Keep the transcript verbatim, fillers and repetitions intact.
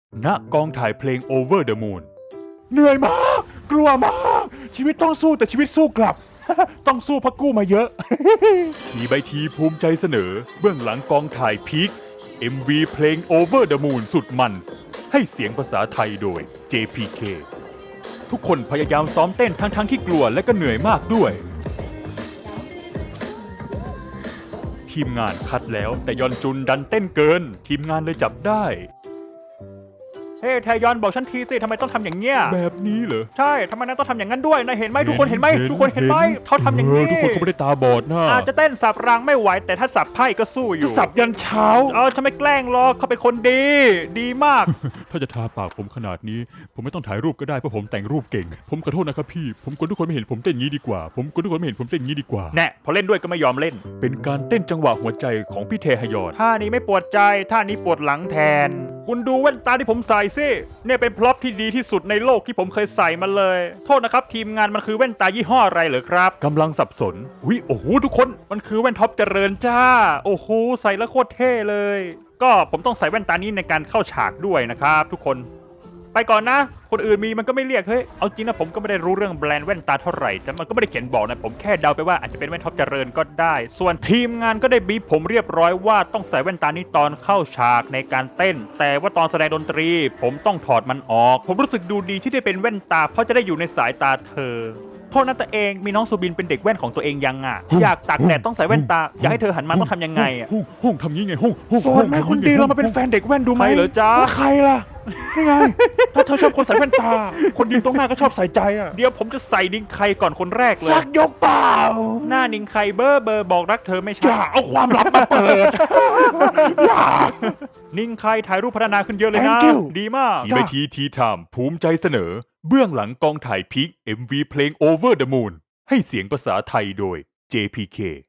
ณกองถ่ายเพลง Over the Moon เหนื่อยมากกลัวมากชีวิตต้องสู้แต่ชีวิตสู้กลับ ต้องสู้เพราะกู้มาเยอะ ทีใบทีภูมิใจเสนอเบื้องหลังกองถ่ายพีค เอ็ม วี เพลง Over the Moon สุดมันให้เสียงภาษาไทยโดย เจ พี เค ทุกคนพยายามซ้อมเต้นทั้งๆ ทที่กลัวและก็เหนื่อยมากด้วย ทีมงานคัดแล้วแต่ยอนจุนดันเต้นเกินทีมงานเลยจับได้เฮ้แทยอนบอกฉันทีสิทำไมต้องทำอย่างเงี้ยแบบนี้เหรอใช่ทำไมนายต้องทำอย่างนั้นด้วยนายเห็นไหมทุกคนเห็นไหมทุกคนเห็นไหมเขาทำอย่างนี้ทุกคนเขาไม่ได้ตาบอดนะอาจจะเต้นสับรางไม่ไหวแต่ถ้าสับไพ่ก็สู้อยู่สับยันเช้าเออฉันไม่แกล้งหรอกเขาเป็นคนดีดีมาก ถ้าจะทาปากผมขนาดนี้ผมไม่ต้องถ่ายรูปก็ได้เพราะผมแต่งรูปเก่งผมขอโทษนะครับพี่ผมกลัวทุกคนไม่เห็นผมเต้นงี้ดีกว่าผมกลัวทุกคนไม่เห็นผมเต้นงี้ดีกว่าแน่พอเล่นด้วยก็ไม่ยอมเล่นเป็นการเต้นจังหวะหัวใจของพี่เทฮยอนท่านี้ไม่ปวดใจท่านี้ปวดหลังแทนคุณดูแว่นตาที่ผมใส่สิเนี่ยเป็นพร็อพที่ดีที่สุดในโลกที่ผมเคยใส่มาเลยโทษนะครับทีมงานมันคือแว่นตายี่ห้ออะไรเหรอครับกำลังสับสนวิโอ้โหทุกคนมันคือแว่นท็อปเจริญจ้าโอ้โหใส่แล้วโคตรเท่เลยก็ผมต้องใส่แว่นตานี้ในการเข้าฉากด้วยนะครับทุกคนไปก่อนนะคนอื่นมีมันก็ไม่เรียกเฮ้ยเอาจริงนะผมก็ไม่ได้รู้เรื่องแบรนด์แว่นตาเท่าไหร่แต่มันก็ไม่ได้เขียนบอกนะผมแค่เดาไปว่าอาจจะเป็นแว่นท็อปเจริญก็ได้ส่วนทีมงานก็ได้บีบผมเรียบร้อยว่าต้องใส่แว่นตานี้ตอนเข้าฉากในการเต้นแต่ว่าตอนแสดงดนตรีผมต้องถอดมันออกผมรู้สึกดูดีที่ได้เป็นแว่นตาเพราะจะได้อยู่ในสายตาเธอโทษนะตัวเองมีน้องสุบินเป็นเด็กแว่นของตัวเองยังอ่ะอยากตากแดดต้องใส่แว่นตาอยากให้เธอหันมาต้องทำยังไงอ่ะห้องทำงี้ไงห้องโซนแม่คนดีเรามาเป็นแฟนเด็กแว่นดูไหมใครเหรอจ๊ะใครล่ะนี่ไงถ้าเธอชอบคนใส่แว่นตาคนดีตรงหน้าก็ชอบใส่ใจอ่ะเดี๋ยวผมจะใส่นิงไคก่อนคนแรกเลยสักยกเปล่าหน้านิงไคเบอร์เบอร์บอกรักเธอไม่ใช่อย่าเอาความลับมาเปิดอย่านิงไคถ่ายรูปพัฒนาขึ้นเยอะเลยนะดีมากทีไปทีทีไทม์ภูมิใจเสนอเบื้องหลังกองถ่ายพีค เอ็ม วี เพลง Over the Moon ให้เสียงภาษาไทยโดย เจ พี เค